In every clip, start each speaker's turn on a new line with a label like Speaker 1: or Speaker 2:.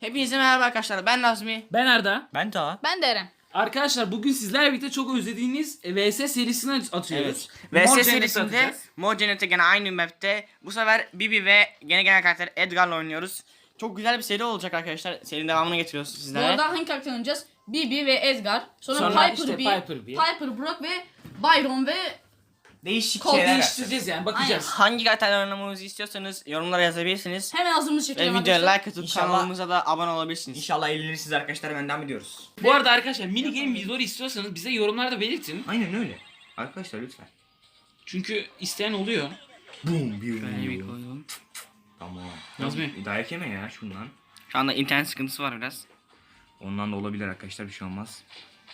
Speaker 1: Hepinize merhaba arkadaşlar. Ben Nazmi.
Speaker 2: Ben Arda.
Speaker 3: Ben Taha.
Speaker 4: Ben de Eren.
Speaker 2: Arkadaşlar bugün sizlerle birlikte çok özlediğiniz VS serisini atıyoruz.
Speaker 1: VS
Speaker 2: Mor
Speaker 1: serisinde
Speaker 2: atacağız.
Speaker 1: Mor Cennet'te gene aynı map'te. Bu sefer Bibi ve gene gelen karakter Edgar'la oynuyoruz. Çok güzel bir seri olacak arkadaşlar. Serinin devamını getiriyoruz
Speaker 4: Bu
Speaker 1: sizlere.
Speaker 4: arada hangi karakter oynayacağız? Bibi ve Edgar. Sonra,
Speaker 1: Sonra
Speaker 4: Piper,
Speaker 2: işte Piper B.
Speaker 4: Piper Brock ve Byron ve
Speaker 3: Değişik
Speaker 4: Kol
Speaker 3: şeyler
Speaker 2: Değiştireceğiz yani bakacağız.
Speaker 1: Hangi karakterle oynamamızı istiyorsanız yorumlara yazabilirsiniz.
Speaker 4: hemen hazırımız
Speaker 1: Ve
Speaker 4: çekelim
Speaker 1: videoya
Speaker 4: arkadaşlar.
Speaker 1: like atıp
Speaker 3: İnşallah-
Speaker 1: kanalımıza da abone olabilirsiniz.
Speaker 3: İnşallah eğlenirsiniz arkadaşlar, benden biliyoruz.
Speaker 2: Bu arada arkadaşlar mini game videoları istiyorsanız bize yorumlarda belirtin.
Speaker 3: Aynen öyle. Arkadaşlar lütfen.
Speaker 2: Çünkü isteyen oluyor.
Speaker 3: Boom bir
Speaker 1: Şöyle bir koydum.
Speaker 3: Tamam.
Speaker 2: Nazmi.
Speaker 3: Dayak yeme ya şundan.
Speaker 1: Şu anda internet sıkıntısı var biraz.
Speaker 3: Ondan da olabilir arkadaşlar, bir şey olmaz.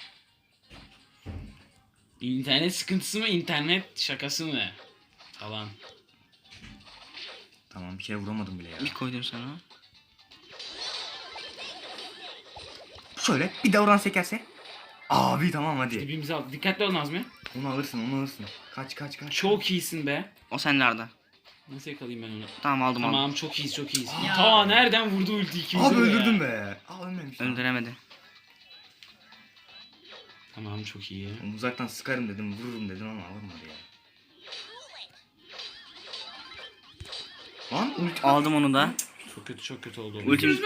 Speaker 2: İnternet sıkıntısı mı, internet şakası mı? Falan.
Speaker 3: Tamam, bir kere vuramadım bile ya.
Speaker 1: Bir koydum sana.
Speaker 3: Şöyle bir davran sekerse. Abi tamam hadi.
Speaker 2: Dibimizi al. Dikkatli ol Nazmi.
Speaker 3: Onu alırsın. Kaç.
Speaker 2: Çok iyisin be.
Speaker 1: O sende Arda.
Speaker 2: Nasıl yakalayayım ben onu?
Speaker 1: Tamam aldım.
Speaker 2: Tamam çok iyiyiz.
Speaker 4: Ya.
Speaker 2: Ta nereden vurdu ulti ikimize
Speaker 3: Abi
Speaker 2: de
Speaker 3: öldürdüm
Speaker 2: ya.
Speaker 3: be. Aa ölmemiş.
Speaker 1: Öldüremedi.
Speaker 2: Tamam çok iyi.
Speaker 3: Onu uzaktan sıkarım dedim, vururum dedim ama vurmadı ya. Lan ulti
Speaker 1: Aldım onu da.
Speaker 2: Çok kötü oldu.
Speaker 1: Ultim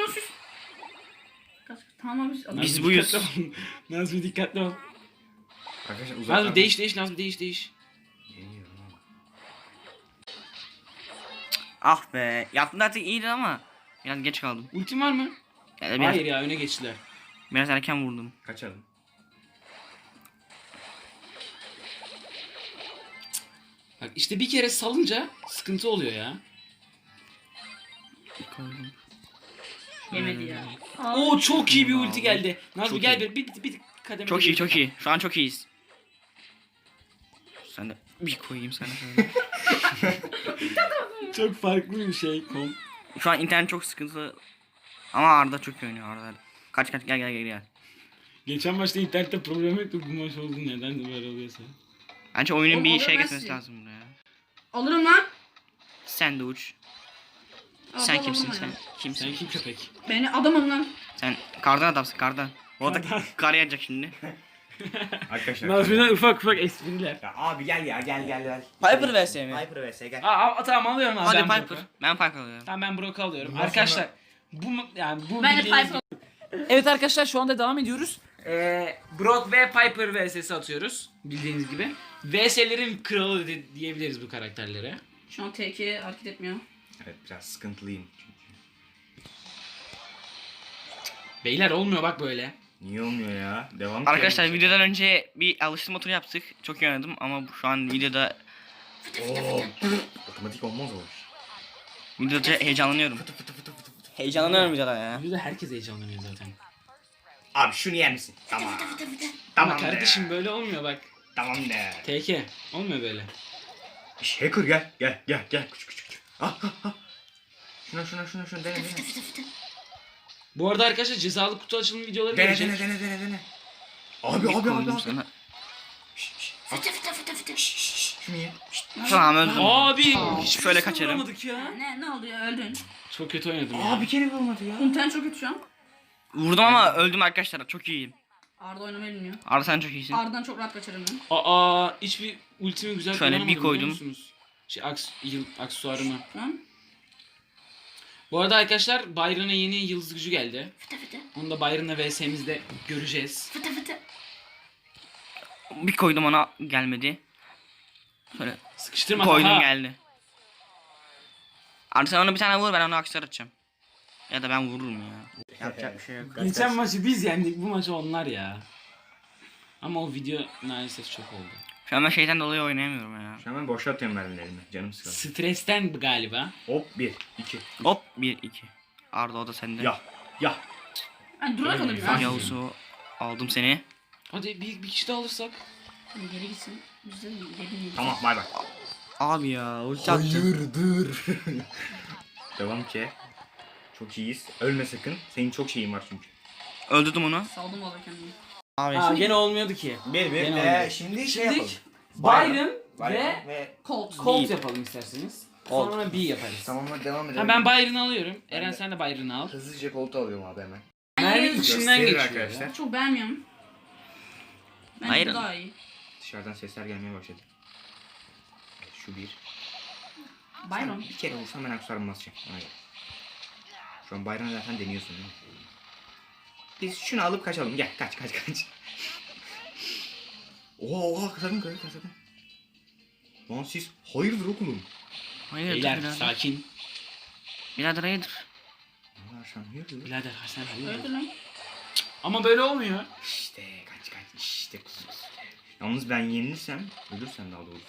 Speaker 4: Tamam biz
Speaker 2: Nazmi,
Speaker 1: Biz buyuz.
Speaker 2: dikkatli ol. Nazmi dikkatli ol.
Speaker 3: Arkadaşlar uzaktan.
Speaker 2: Nazmi değiş Nazmi değiş.
Speaker 3: Geliyor lan.
Speaker 1: Ah be. Yaptın artık iyiydi ama biraz geç kaldım.
Speaker 2: Ultin var mı?
Speaker 1: Yani biraz,
Speaker 2: Hayır ya öne geçtiler.
Speaker 1: biraz erken vurdum.
Speaker 3: Kaçalım.
Speaker 2: Bak işte bir kere salınca sıkıntı oluyor ya.
Speaker 1: Koydum.
Speaker 4: yemedi ya.
Speaker 2: Oo çok iyi bir ulti
Speaker 1: Aldım.
Speaker 2: geldi. Nazmi
Speaker 1: Çok
Speaker 2: gel
Speaker 1: iyi.
Speaker 2: bir kademe.
Speaker 1: Çok iyi çok iyi. Şu an çok iyiyiz. Sen de bir koyayım sana şöyle.
Speaker 2: Çok farklı bir şey.
Speaker 1: Şu an internet çok sıkıntılı. Ama Arda çok iyi oynuyor Arda. Kaç gel.
Speaker 2: Geçen maçta internette problem yoktu. Bu maç oldu neden de böyle oluyorsa.
Speaker 1: Bence oyunun
Speaker 4: Oğlum,
Speaker 1: bir
Speaker 4: alır
Speaker 1: şey
Speaker 4: ben
Speaker 1: getirmesi
Speaker 4: sizi.
Speaker 1: lazım buraya.
Speaker 4: Alırım lan.
Speaker 1: Sen de uç.
Speaker 4: Al,
Speaker 1: Sen
Speaker 4: al,
Speaker 1: kimsin
Speaker 4: al,
Speaker 1: sen?
Speaker 4: al.
Speaker 1: Kimsin?
Speaker 2: Sen kim köpek?
Speaker 4: Beni adamım lan.
Speaker 1: Sen kardan adamsın kardan. O da
Speaker 2: Kardan.
Speaker 1: kar yağacak şimdi.
Speaker 3: Arkadaşlar.
Speaker 2: Nazmi'den ufak espriler.
Speaker 3: Ya abi gel ya gel.
Speaker 1: Piper vs mi?
Speaker 3: Piper vs gel.
Speaker 2: Tamam alıyorum abi.
Speaker 1: Hadi
Speaker 2: ben
Speaker 1: Piper.
Speaker 2: Brock'u.
Speaker 1: Ben Piper alıyorum.
Speaker 2: Tamam ben Brock'u alıyorum.
Speaker 3: Bundan
Speaker 2: Arkadaşlar bu
Speaker 4: Ben de
Speaker 2: bildiğiniz
Speaker 4: Piper.
Speaker 2: Evet arkadaşlar şu anda devam ediyoruz. Brock ve Piper vs'si atıyoruz bildiğiniz gibi. VS'lerin kralı diyebiliriz bu karakterlere.
Speaker 4: Şu an TK hareket etmiyor.
Speaker 3: Evet biraz sıkıntılıyım.
Speaker 2: Beyler olmuyor bak böyle.
Speaker 3: Niye olmuyor ya? Devam
Speaker 1: Arkadaşlar
Speaker 3: edelim.
Speaker 1: videodan önce bir alıştırma turu yaptık. Çok iyi oynadım ama şu an videoda
Speaker 3: Oo. Otomatik olmaz o iş.
Speaker 1: videoda heyecanlanıyorum.
Speaker 3: Fıtı.
Speaker 1: Heyecanlanıyorum videoda ya.
Speaker 2: Videoda herkes heyecanlanıyor zaten.
Speaker 3: Abi şunu yer misin? Tamam.
Speaker 2: Ama
Speaker 3: Tamam
Speaker 2: kardeşim
Speaker 3: de.
Speaker 2: böyle olmuyor bak.
Speaker 3: Tamam de.
Speaker 2: TK olmuyor böyle.
Speaker 3: Hacker gel. Küçük. Ah. Şuna dene.
Speaker 2: Bu arada arkadaşlar cezalı kutu açılımı videoları
Speaker 3: Dene.
Speaker 2: gelecek.
Speaker 3: Abi.
Speaker 1: Koydum sana.
Speaker 3: Şunu ye.
Speaker 1: Tamam öldüm.
Speaker 2: Abi
Speaker 1: Şöyle
Speaker 2: hiçbirisini
Speaker 1: kaçarım.
Speaker 2: vuramadık ya.
Speaker 4: Ne oldu ya öldün.
Speaker 2: Çok kötü oynadım ya.
Speaker 3: Abi kere vurmadı ya.
Speaker 4: İnternet çok kötü şu an.
Speaker 1: Vurdum ama öldüm arkadaşlar. Çok iyiyim.
Speaker 4: Arda oynamayı bilmiyor.
Speaker 1: Arda sen çok iyisin.
Speaker 4: Arda'dan çok rahat kaçarım ben.
Speaker 2: Hiçbir ultimi güzel
Speaker 1: Şöyle bir
Speaker 2: kullanamadım,
Speaker 1: koydum.
Speaker 2: biliyor musunuz? Aksesuarımı.
Speaker 4: Şu an.
Speaker 2: Bu arada arkadaşlar Byron'a yeni yıldız gücü geldi. Onu da Byron'la vs'mizde göreceğiz.
Speaker 1: Bir koydum ona gelmedi. Şöyle
Speaker 2: Sıkıştırma
Speaker 1: koydum
Speaker 2: Taha.
Speaker 1: geldi. Arda sen ona bir tane vur, ben onu aksar atacağım. Ya da ben vururum ya. Yapacak bir şey yok.
Speaker 2: Geçen maçı biz yendik, bu maçı onlar ya. Ama o video maalesef çok oldu.
Speaker 1: Şu an ben şeyden dolayı oynayamıyorum ya.
Speaker 3: Şu an ben boşa atıyorum mermilerimi. Canım sıkıldı.
Speaker 2: Stresten galiba.
Speaker 3: Hop 1 2.
Speaker 1: Hop 1-2. Arda o da sende.
Speaker 3: Ya.
Speaker 4: Hani durarak alırım ya.
Speaker 1: Yavuz'u aldım seni.
Speaker 2: Hadi bir kişi daha alırsak.
Speaker 4: Hani geri gitsin. Biz de geri gidelim.
Speaker 3: Tamam bay bay.
Speaker 1: Abi ya ulti attım.
Speaker 3: dur. Devam ki. Çok iyiyiz. Ölme sakın. Senin çok şeyin var çünkü.
Speaker 1: Öldürdüm onu.
Speaker 4: Saldım valla kendimi.
Speaker 1: Abi
Speaker 2: Gene olmuyordu ki.
Speaker 3: Bir
Speaker 2: Gene olmuyor.
Speaker 3: şimdi
Speaker 2: Şimdi Byron ve
Speaker 3: ve
Speaker 4: Colt.
Speaker 2: Colt yapalım isterseniz.
Speaker 1: Oldu.
Speaker 2: Sonra B yaparız.
Speaker 3: Tamam hadi devam edelim.
Speaker 2: Ha, ben Byron'ı alıyorum.
Speaker 3: Ben
Speaker 2: Eren
Speaker 3: de.
Speaker 2: sen de Byron'ı al.
Speaker 3: Hızlıca koltuğu alıyorum abi hemen.
Speaker 2: Merve
Speaker 4: Hayır.
Speaker 2: içinden
Speaker 3: Gösterir
Speaker 2: geçiyor
Speaker 3: arkadaşlar.
Speaker 2: ya.
Speaker 4: Çok beğenmiyorum. Bence
Speaker 1: Hayır.
Speaker 4: bu daha iyi.
Speaker 3: Dışarıdan sesler gelmeye başladı. Şu bir.
Speaker 4: Byron.
Speaker 3: Bir kere vursam ben aksarım basacağım. Ona göre. Şu an Byron'ı zaten deniyorsun değil mi? Biz şunu alıp kaçalım. Gel kaç. Oha sakın. Lan siz hayırdır okulum?
Speaker 1: Hayırdır
Speaker 2: Beyler
Speaker 1: birader?
Speaker 2: sakin.
Speaker 1: Birader hayırdır?
Speaker 3: Allah sen hayırdır?
Speaker 2: Birader sen hayırdır?
Speaker 4: Öyle lan.
Speaker 2: Ama böyle olmuyor.
Speaker 3: İşte kaç işte. Yalnız ben yenilirsem, ölürsem daha doğrusu.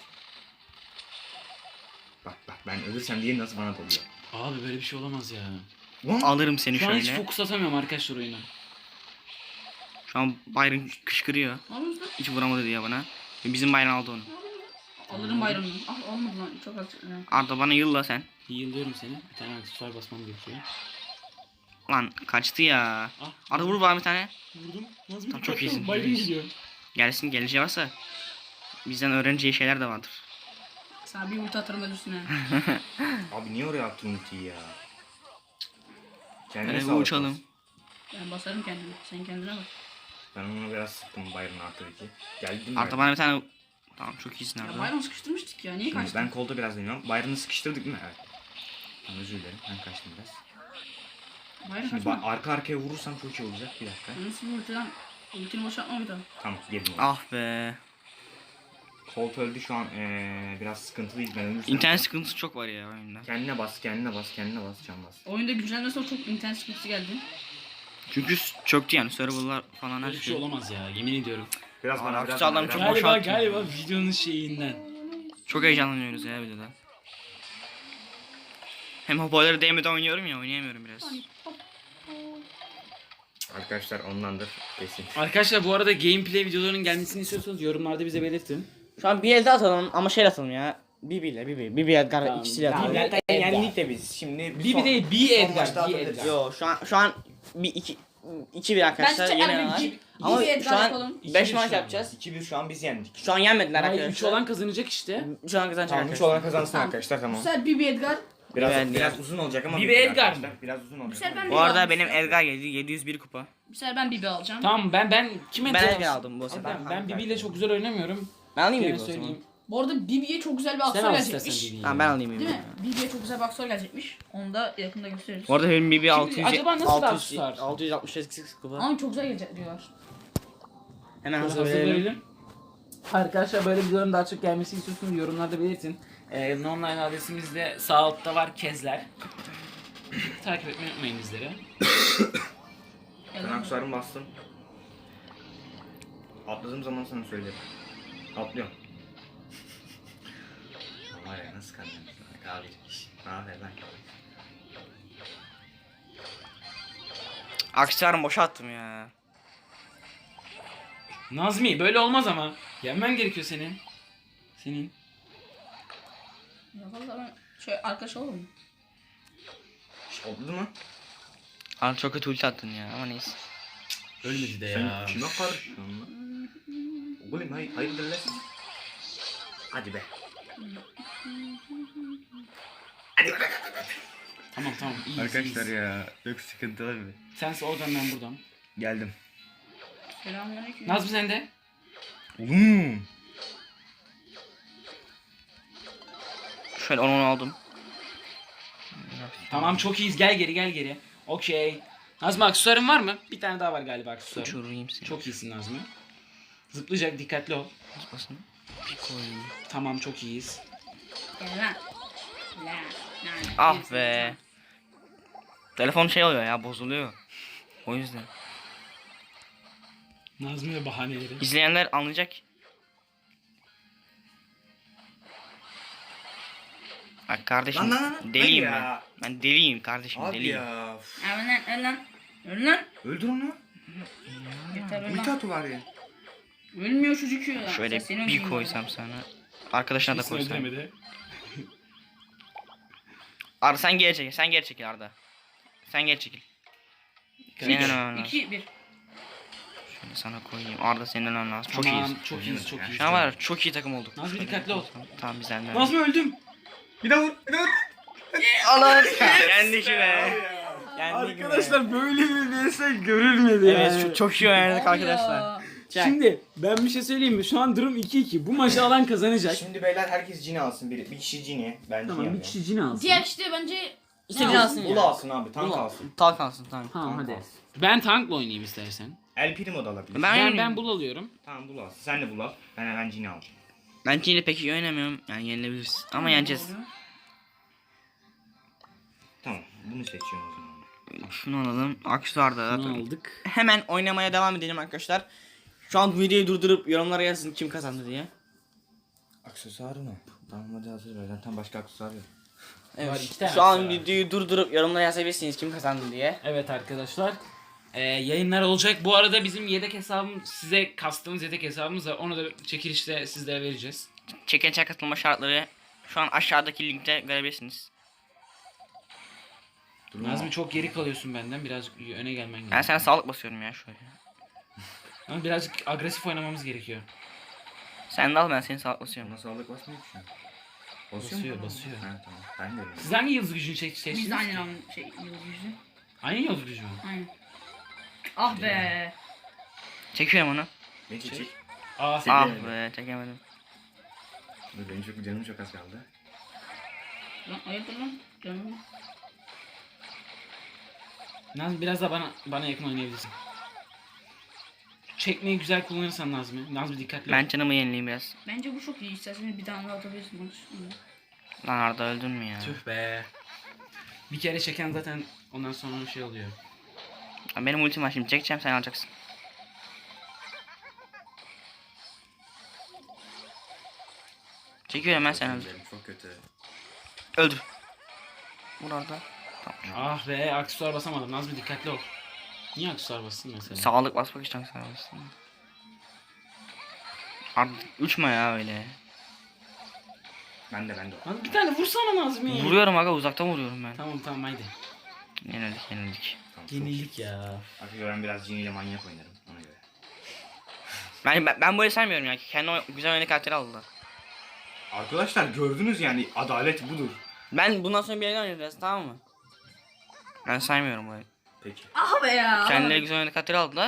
Speaker 3: Bak ben ölürsem diye nasıl bana dalıyor.
Speaker 2: Abi böyle bir şey olamaz ya.
Speaker 3: Lan
Speaker 1: Alırım seni
Speaker 2: Şu an hiç
Speaker 1: şöyle.
Speaker 2: fokus atamıyorum arkadaşlar oyuna.
Speaker 1: Şu an Byron kışkırıyor.
Speaker 4: Ne yapıyorsun lan?
Speaker 1: Hiç vuramadı diye bana. Ve bizim Byron aldı onu.
Speaker 4: Alırım Byron'u. Ah olmadı lan. Çok az. Yani.
Speaker 1: Arda bana yılla sen.
Speaker 2: Yıllıyorum seni. Bir tane aksesuar basmam gerekiyor.
Speaker 1: Lan kaçtı ya.
Speaker 2: Ah.
Speaker 1: Arda vur bana bir tane.
Speaker 2: Vurdum. Nasıl
Speaker 1: Tamam, çok iyisin.
Speaker 2: Byron gidiyor.
Speaker 1: Gelsin geleceği varsa. Bizden öğreneceği şeyler de vardır.
Speaker 4: Sana bir ulti atarım ölürsün ha.
Speaker 3: abi niye oraya attın ultiyi ya? Kendine
Speaker 1: Hadi
Speaker 3: sağlık
Speaker 1: uçalım.
Speaker 3: olsun.
Speaker 4: Ben basarım kendimi. Sen kendine bak.
Speaker 3: Ben onu biraz sıktım Byron artı 2. Geldi mi?
Speaker 1: Arda bana bir tane... Tamam çok iyisin
Speaker 4: Ya
Speaker 1: Arda.
Speaker 4: Byron sıkıştırmıştık ya. Niye
Speaker 3: Şimdi
Speaker 4: kaçtın?
Speaker 3: ben kolda biraz deniyorum. Byron'ı sıkıştırdık mı? Evet. Tamam, özür dilerim. Ben kaçtım biraz.
Speaker 4: Byron
Speaker 3: Şimdi
Speaker 4: kaçma.
Speaker 3: arka arkaya vurursam çok iyi olacak. Bir dakika.
Speaker 4: Nasıl bir ulti lan? Ultini boşaltma bir daha.
Speaker 3: Tamam gelin.
Speaker 1: Ah be.
Speaker 3: Colt öldü şu an biraz sıkıntılıyız ben ölürsem.
Speaker 1: İnternet sıkıntısı çok var ya oyunda.
Speaker 3: Kendine bas can bas.
Speaker 4: Oyunda güncellemeden sonra çok internet sıkıntısı geldi.
Speaker 1: Çünkü çöktü yani serverlar falan her
Speaker 2: Böyle bir şey
Speaker 1: şey.
Speaker 2: olamaz ya. Yemin ediyorum.
Speaker 3: Biraz
Speaker 1: Aa,
Speaker 3: bana biraz
Speaker 1: Aksu adam
Speaker 3: bana,
Speaker 1: çok
Speaker 3: biraz-
Speaker 1: boş
Speaker 2: Galiba
Speaker 1: attın.
Speaker 2: videonun şeyinden.
Speaker 1: Çok heyecanlanıyoruz ya videoda. Hem hoparlörü değmeden oynuyorum ya oynayamıyorum biraz.
Speaker 3: Arkadaşlar ondandır kesin.
Speaker 2: Arkadaşlar bu arada gameplay videolarının gelmesini istiyorsanız yorumlarda bize belirtin.
Speaker 1: Şu an bir elde atalım ama şey atalım ya. Bibi Edgar
Speaker 2: Tamam,
Speaker 1: ikisiyle
Speaker 2: tamam.
Speaker 1: atalım.
Speaker 2: Edgar.
Speaker 3: yendik de biz. Şimdi
Speaker 2: Bibi değil, B Edgar. B Edgar.
Speaker 1: Yo şu an bir iki bir arkadaşlar
Speaker 4: Ben
Speaker 1: yeni var. Ama
Speaker 4: bir
Speaker 1: şu
Speaker 4: Edgar
Speaker 1: an
Speaker 4: yapalım.
Speaker 1: 5
Speaker 2: İki
Speaker 1: maç
Speaker 2: bir şu an.
Speaker 1: yapacağız.
Speaker 3: 2-1 şu an biz yendik.
Speaker 1: Şu an yenmediler
Speaker 2: Hayır,
Speaker 1: arkadaşlar.
Speaker 2: 3 olan kazanacak işte.
Speaker 1: Şu an kazanacak
Speaker 3: Tamam 3
Speaker 1: arkadaşlar.
Speaker 3: olan kazansın
Speaker 4: Tamam.
Speaker 3: arkadaşlar tamam.
Speaker 4: Bu sefer Bibi Edgar.
Speaker 3: Biraz uzun olacak ama.
Speaker 2: Bibi
Speaker 3: bitti
Speaker 2: Edgar
Speaker 3: arkadaşlar.
Speaker 2: mı?
Speaker 3: Biraz uzun olacak.
Speaker 4: sefer
Speaker 3: ama
Speaker 4: ben
Speaker 3: bitti.
Speaker 1: Bu arada benim Edgar geldi 701 kupa.
Speaker 4: Bu sefer ben Bibi alacağım.
Speaker 2: Tamam ben kime
Speaker 1: Ben
Speaker 2: temas-
Speaker 1: Edgar aldım bu sefer.
Speaker 2: Ben Bibi ile çok güzel oynamıyorum.
Speaker 1: Ben alayım
Speaker 2: Gene
Speaker 1: Bibi o zaman.
Speaker 2: söyleyeyim.
Speaker 4: Bu arada Bibi'ye çok güzel bir
Speaker 2: Sen
Speaker 4: aksor
Speaker 2: al istersen
Speaker 4: gelecekmiş.
Speaker 2: Bibi'yi.
Speaker 1: Tamam ben alayım Bibi.
Speaker 4: Değil mi? Bibi'ye çok güzel bir aksor gelecekmiş. Onu da yakında gösteririz.
Speaker 1: Bu arada benim Bibi 600
Speaker 2: acaba nasıl daha
Speaker 1: 600
Speaker 2: tutar?
Speaker 1: 668 kupa.
Speaker 4: Ama çok güzel gelecek diyorlar.
Speaker 1: Hemen
Speaker 2: Hazır
Speaker 1: hazır verelim.
Speaker 2: verelim. Arkadaşlar böyle videoların daha çok gelmesini istiyorsanız yorumlarda belirtin. Online adresimiz de sağ altta var Kezler. Takip etmeyi unutmayın bizleri.
Speaker 3: Ben aksuarımı bastım. Atladığım zaman sana söylerim. Atlıyorum. Var ya nasıl kandırmışsın? Abi ne haber lan?
Speaker 1: Aksesuarımı boşa attım ya.
Speaker 2: Nazmi böyle olmaz ama. Yenmen gerekiyor senin. Senin.
Speaker 4: Ya valla ben şöyle arkadaş olalım mı?
Speaker 3: Oldu mu?
Speaker 1: Abi çok kötü ulti attın ya ama neyse.
Speaker 2: Ölmedi de
Speaker 3: Sen
Speaker 2: ya.
Speaker 3: kime karışıyorsun lan? Oğlum hayırdır lan? Hadi be. Hadi be.
Speaker 2: Tamam iyiyiz,
Speaker 3: Arkadaşlar
Speaker 2: iyiyiz.
Speaker 3: ya çok sıkıntılı bir.
Speaker 2: Sense oradan ben buradan.
Speaker 3: Geldim.
Speaker 4: Selamünaleyküm.
Speaker 2: Nazmi sen de.
Speaker 3: Oğlum.
Speaker 1: Şöyle onu aldım.
Speaker 2: Tamam çok iyiyiz gel geri. Okey. Nazmi aksesuarın var mı? Bir tane daha var galiba aksesuarın.
Speaker 1: Uçurayım seni.
Speaker 2: Çok iyisin Nazmi. Zıplayacak dikkatli ol.
Speaker 1: Zıplasın. Bir koyayım.
Speaker 2: Tamam çok iyiyiz.
Speaker 4: Gel lan. Lan.
Speaker 1: Ah be. Telefon şey oluyor ya bozuluyor. O yüzden.
Speaker 2: Nazmi ve bahaneleri.
Speaker 1: İzleyenler anlayacak. Bak kardeşim
Speaker 3: Lan,
Speaker 1: deliyim
Speaker 3: hayır
Speaker 1: ben.
Speaker 3: ya.
Speaker 1: Ben deliyim kardeşim
Speaker 3: Abi
Speaker 1: deliyim.
Speaker 3: ya.
Speaker 4: Öl lan öl lan. Öl lan.
Speaker 3: Öldür onu.
Speaker 4: Yeter öl
Speaker 3: Ulti
Speaker 4: lan.
Speaker 3: atı var ya.
Speaker 4: Ölmüyor çocuk ya.
Speaker 1: Şöyle
Speaker 4: Sen seni
Speaker 1: bir
Speaker 4: öldürüyorum
Speaker 1: koysam sana. Arkadaşına da
Speaker 2: Kimse
Speaker 1: koysam.
Speaker 2: öldüremedi.
Speaker 1: Arda sen geri çekil. Sen geri çekil Arda. Sen geri çekil. Senin
Speaker 2: Üç,
Speaker 1: önüne lazım.
Speaker 4: 2 1.
Speaker 1: Şöyle sana koyayım. Arda senin önüne lazım. Çok
Speaker 2: Tamam,
Speaker 1: iyiyiz.
Speaker 2: çok iyiyiz çok iyiyiz.
Speaker 1: Şu an var ya, çok iyi takım olduk.
Speaker 2: Nazmi
Speaker 1: Şöyle
Speaker 2: dikkatli ol.
Speaker 1: Tamam bizden de.
Speaker 2: Nazmi öldüm.
Speaker 3: Bir de vur. Bir de vur.
Speaker 1: Allah yendik be. Yendik be.
Speaker 2: Arkadaşlar böyle bir vs görülmedi
Speaker 1: Evet
Speaker 2: yani.
Speaker 1: çok iyi oynadık
Speaker 4: Abi
Speaker 1: arkadaşlar.
Speaker 4: ya.
Speaker 2: Şimdi ben bir şey söyleyeyim mi? Şu an durum 2-2. Bu maçı alan kazanacak.
Speaker 3: Şimdi beyler herkes cini alsın biri. Bir kişi cini. Ben cini
Speaker 2: Tamam bir
Speaker 3: alıyorum.
Speaker 2: kişi cin alsın.
Speaker 4: Diğer işte bence
Speaker 1: İstediğin alsın
Speaker 3: Ulu
Speaker 1: ya.
Speaker 3: alsın abi. Tank
Speaker 2: Ulu.
Speaker 3: alsın.
Speaker 1: Talk alsın tamam.
Speaker 2: Tamam
Speaker 3: Tank
Speaker 2: hadi.
Speaker 3: alsın.
Speaker 2: Ben tankla oynayayım istersen.
Speaker 3: El Primo da alabilir.
Speaker 2: Ben bul alıyorum.
Speaker 3: Tamam bul alsın. Sen de bul al. Ben hemen cini aldım.
Speaker 1: Ben Çin'de pek iyi oynamıyorum. Yani yenilebiliriz. Ama yeneceğiz.
Speaker 3: Tamam. Bunu seçiyorum o zaman.
Speaker 1: Şunu alalım. Aksuar'da.
Speaker 2: Bunu aldık.
Speaker 1: Hemen oynamaya devam edelim arkadaşlar. Şu an videoyu durdurup yorumlara yazın kim kazandı diye.
Speaker 3: Aksesuarı mı? Tamam hadi hazır ver. Zaten başka aksesuar yok.
Speaker 2: Var, iki tane
Speaker 1: Şu an
Speaker 2: aksesuar var.
Speaker 1: videoyu durdurup yorumlara yazabilirsiniz kim kazandı diye.
Speaker 2: Evet arkadaşlar. Yayınlar olacak. Bu arada bizim yedek hesabım size kastığımız yedek hesabımız var. Onu da çekilişte sizlere vereceğiz.
Speaker 1: Çekilişe katılma şartları şu an aşağıdaki linkte görebilirsiniz.
Speaker 3: Durma.
Speaker 2: Nazmi çok geri kalıyorsun benden. Birazcık öne gelmen
Speaker 1: Ben
Speaker 2: gerekiyor.
Speaker 1: sana sağlık basıyorum ya şöyle.
Speaker 2: Ama birazcık agresif oynamamız gerekiyor.
Speaker 1: Sen de al ben seni sağlık basıyorum.
Speaker 3: Nasıl sağlık basmıyor ki şu an?
Speaker 2: Basıyor,
Speaker 3: mu?
Speaker 2: basıyor.
Speaker 3: Ha tamam. Ben de öyle.
Speaker 2: Siz hangi yıldız gücünü seçtiniz?
Speaker 4: biz de aynen alın şey yıldız yüzü.
Speaker 2: Aynı yıldız gücü mü?
Speaker 4: Aynen. Ah be.
Speaker 1: Çekiyorum onu.
Speaker 3: Ne çekecek?
Speaker 2: Aa,
Speaker 1: Ah
Speaker 3: Çekemedim.
Speaker 1: be çekemedim.
Speaker 3: Dur benim çok canım çok az kaldı.
Speaker 4: Lan hayırdır lan? Canım.
Speaker 2: Nazmi biraz da bana yakın oynayabilirsin. Çekmeyi güzel kullanırsan Nazmi. Nazmi dikkatli ol.
Speaker 1: Ben canımı yenileyim biraz.
Speaker 4: Bence bu çok iyi. İsterseniz bir tane daha atabilirsin maç.
Speaker 1: Lan Arda öldün mü ya?
Speaker 2: Tüh be. Bir kere çeken zaten ondan sonra bir şey oluyor.
Speaker 1: Lan benim ultim var şimdi çekeceğim sen alacaksın. Çekiyorum ben sen öldür.
Speaker 3: Benim çok kötü.
Speaker 1: Öldür. Vur Arda.
Speaker 2: Ah be aksesuar basamadım. Nazmi dikkatli ol. Niye aksesuar bastın mesela?
Speaker 1: Sağlık basmak için sağlıksın. Arda uçma ya öyle.
Speaker 3: Ben de.
Speaker 2: Lan bir tane vursana Nazmi.
Speaker 1: Vuruyorum aga uzaktan vuruyorum ben.
Speaker 2: Tamam haydi.
Speaker 1: Yenildik.
Speaker 3: Tamam, çok-
Speaker 2: Yenildik ya.
Speaker 3: Arkadaşlar ben biraz ciniyle manyak oynarım. Ona göre.
Speaker 1: Ben böyle saymıyorum ya. Kendi güzel oyunu karakteri aldılar.
Speaker 3: Arkadaşlar gördünüz yani adalet budur.
Speaker 1: Ben bundan sonra bir yayın oynayacağız tamam mı? Ben saymıyorum böyle.
Speaker 3: Peki.
Speaker 4: Ah be ya.
Speaker 1: Kendileri güzel oyunu karakteri aldılar.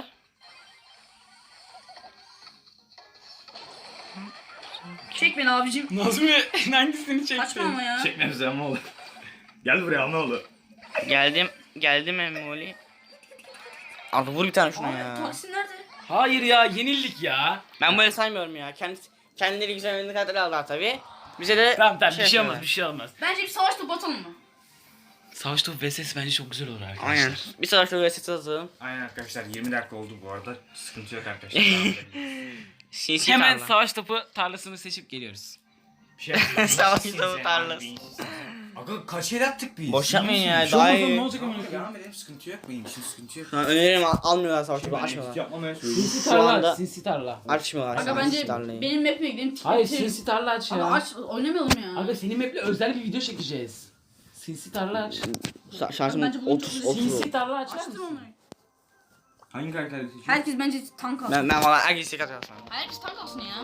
Speaker 4: Çek beni abicim.
Speaker 2: Nazmi hangisini çektin?
Speaker 4: Kaçma ama ya.
Speaker 3: Çekmemize ama olur. Gel buraya ne olur.
Speaker 1: Geldim Emoli. Arda vur bir tane şuna
Speaker 4: Abi
Speaker 1: ya.
Speaker 4: Taksim nerede?
Speaker 2: Hayır ya yenildik ya.
Speaker 1: Ben böyle saymıyorum ya. Kendileri güzel oyunu karakteri aldılar tabi. Bize de
Speaker 2: Tamam bir şey
Speaker 1: yapıyorlar.
Speaker 2: olmaz bir şey olmaz.
Speaker 4: Bence bir savaş topu atalım mı?
Speaker 2: Savaş topu vs bence çok güzel olur arkadaşlar.
Speaker 1: Aynen. Bir savaşta böyle set atalım.
Speaker 3: Aynen arkadaşlar 20 dakika oldu bu arada. Sıkıntı yok arkadaşlar. Devam edelim.
Speaker 1: Sinsi
Speaker 2: Hemen
Speaker 1: tarla.
Speaker 2: savaş topu tarlasını seçip geliyoruz.
Speaker 3: Bir şey yapalım.
Speaker 1: Savaş
Speaker 3: Siz
Speaker 1: topu
Speaker 3: yani,
Speaker 1: tarlası.
Speaker 3: beyinsiz. Aga kaç el attık biz?
Speaker 1: Boş yapmayın ya.
Speaker 2: Şu
Speaker 1: Daha
Speaker 2: bakalım
Speaker 1: iyi.
Speaker 2: ne olacak ama.
Speaker 3: Tamam, devam edelim sıkıntı yok. Benim için sıkıntı yok.
Speaker 1: Şu an öneririm almıyorlar savaş topu
Speaker 3: Ben
Speaker 1: açmıyorlar.
Speaker 3: edit yapmamaya söyleyeyim.
Speaker 2: Sinsi
Speaker 1: Şu
Speaker 2: tarla
Speaker 1: anda-
Speaker 2: aç, sinsi tarla.
Speaker 1: Açmıyorlar.
Speaker 4: Aga
Speaker 1: sinsi
Speaker 4: bence
Speaker 1: tarlayı.
Speaker 4: benim map'ime gidelim.
Speaker 2: Hayır
Speaker 4: bitirelim.
Speaker 2: sinsi tarla aç
Speaker 4: Aga
Speaker 2: ya.
Speaker 4: aç oynamayalım ya.
Speaker 2: Abi senin map'le özel bir video çekeceğiz. Sinsi tarla aç.
Speaker 1: Şarjım
Speaker 4: Bence bunu
Speaker 1: 30
Speaker 4: çok-
Speaker 2: Sinsi tarla açar
Speaker 4: Açtım
Speaker 2: mısın?
Speaker 4: onu.
Speaker 3: Hangi karakteri seçiyorsun?
Speaker 4: Herkes bence tank alsın.
Speaker 1: Ben valla herkes tek atıyorum sana.
Speaker 4: Herkes tank alsın ya.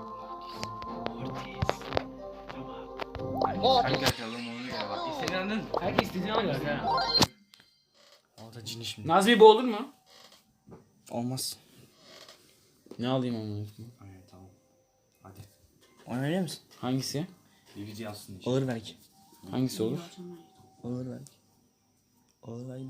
Speaker 3: Hangi karakteri alalım onu göre bak. İstediğin anladın mı?
Speaker 2: Herkes istediğini alıyor ya.
Speaker 3: Orada cini şimdi.
Speaker 2: Nazmi bu olur mu?
Speaker 1: Olmaz.
Speaker 2: Ne alayım onu?
Speaker 3: Aynen tamam. Hadi.
Speaker 1: Oynayabilir misin?
Speaker 2: Hangisi?
Speaker 3: Bir video yazsın işte.
Speaker 1: Olur belki.
Speaker 2: Hangisi olur?
Speaker 1: Olur belki. Olur belki.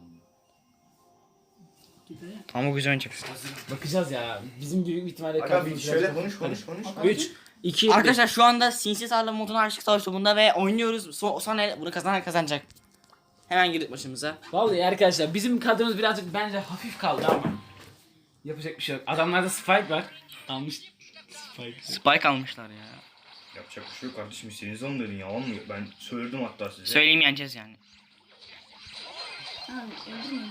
Speaker 1: Ama güzel oynayacaksın.
Speaker 2: Bakacağız ya. Bizim büyük ihtimalle
Speaker 3: Aga bir şöyle konuş.
Speaker 2: 3, 2,
Speaker 1: Arkadaşlar şu anda sinsi tarla moduna aşık savaş topunda ve oynuyoruz. Sonra bunu kazanan kazanacak. Hemen girdik başımıza.
Speaker 2: Vallahi arkadaşlar bizim kadromuz birazcık bence hafif kaldı ama yapacak bir şey yok. Adamlarda Spike var. Almış Spike.
Speaker 1: Spike almışlar ya.
Speaker 3: Yapacak bir şey yok kardeşim. İstediğiniz onu dedin ya. Olmuyor. Ben söyledim hatta size.
Speaker 1: Söyleyeyim yeneceğiz yani.
Speaker 4: Ha, öldürmeyin.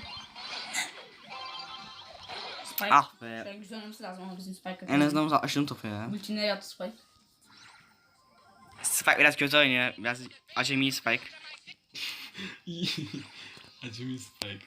Speaker 4: Spike.
Speaker 1: Ah be.
Speaker 4: Şöyle güzel oynaması lazım ama bizim Spike.
Speaker 1: En azından aşırı topu ya.
Speaker 4: Ulti nereye attı Spike?
Speaker 1: Spike biraz kötü oynuyor. Biraz acemi Spike.
Speaker 2: Acemi Spike.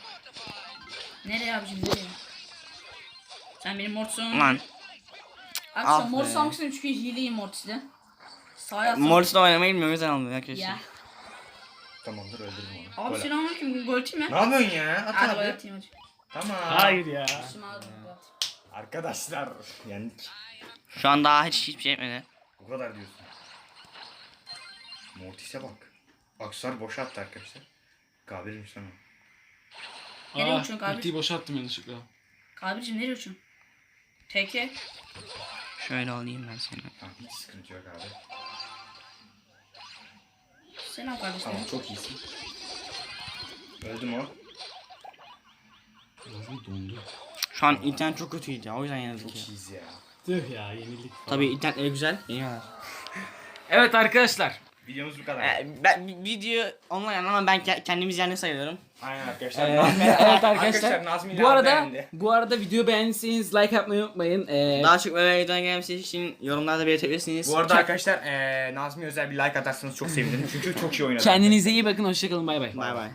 Speaker 4: Nereye abicim nereye? Sen benim mortsun.
Speaker 1: Lan.
Speaker 4: Arkadaşlar
Speaker 1: Ah
Speaker 4: Mor
Speaker 1: be.
Speaker 4: Samsun'un çünkü hileyim Mortis'le. Sağa yatsam.
Speaker 1: Morris'le oynamayı bilmiyorum o yüzden almıyor arkadaşlar.
Speaker 4: Ya.
Speaker 3: Tamamdır öldürdüm onu.
Speaker 4: Abi
Speaker 3: Gol at.
Speaker 4: selamünaleyküm. Gol atayım
Speaker 3: Ne
Speaker 4: mı?
Speaker 3: yapıyorsun ya? At
Speaker 4: Hadi gol
Speaker 3: abi.
Speaker 4: atayım hadi.
Speaker 3: Tamam.
Speaker 2: Hayır ya.
Speaker 4: Şimdi aldım, gol at.
Speaker 3: Arkadaşlar yendik.
Speaker 1: Şu an daha hiçbir şey etmedi.
Speaker 3: Bu kadar diyorsun. Mortis'e bak. Aksar boşa attı arkadaşlar. Kabirmiş sana.
Speaker 4: Nereye uçuyorsun Kabir?
Speaker 2: Ultiyi boşalttım yanlışlıkla.
Speaker 4: Kabir'cim nereye uçuyorsun? Teke.
Speaker 1: Şöyle alayım ben seni.
Speaker 3: Tamam hiç sıkıntı yok abi.
Speaker 4: Selam kardeşim.
Speaker 3: Tamam çok iyisin. Öldü mü o?
Speaker 2: Biraz da dondu.
Speaker 1: Şu an internet çok kötüydü ya o yüzden yenildik
Speaker 3: Çok
Speaker 1: ya.
Speaker 3: iyiyiz ya.
Speaker 2: Tüh ya yenildik falan.
Speaker 1: Tabii internetleri güzel. Yeniyorlar.
Speaker 2: Evet arkadaşlar.
Speaker 3: Videomuz bu kadar.
Speaker 1: Ben video online ama ben kendimiz yerine sayıyorum.
Speaker 3: Aynen arkadaşlar.
Speaker 2: Evet arkadaşlar.
Speaker 3: Nazmi
Speaker 2: Bu arada video beğendiyseniz like yapmayı unutmayın.
Speaker 1: Daha çok böyle videodan gelmesi için yorumlarda belirtebilirsiniz.
Speaker 3: Bu arada arkadaşlar Nazmi özel bir like atarsanız çok sevinirim. Çünkü çok iyi oynadı.
Speaker 2: Kendinize iyi bakın. Hoşçakalın. Bay bay.
Speaker 1: Bay bay.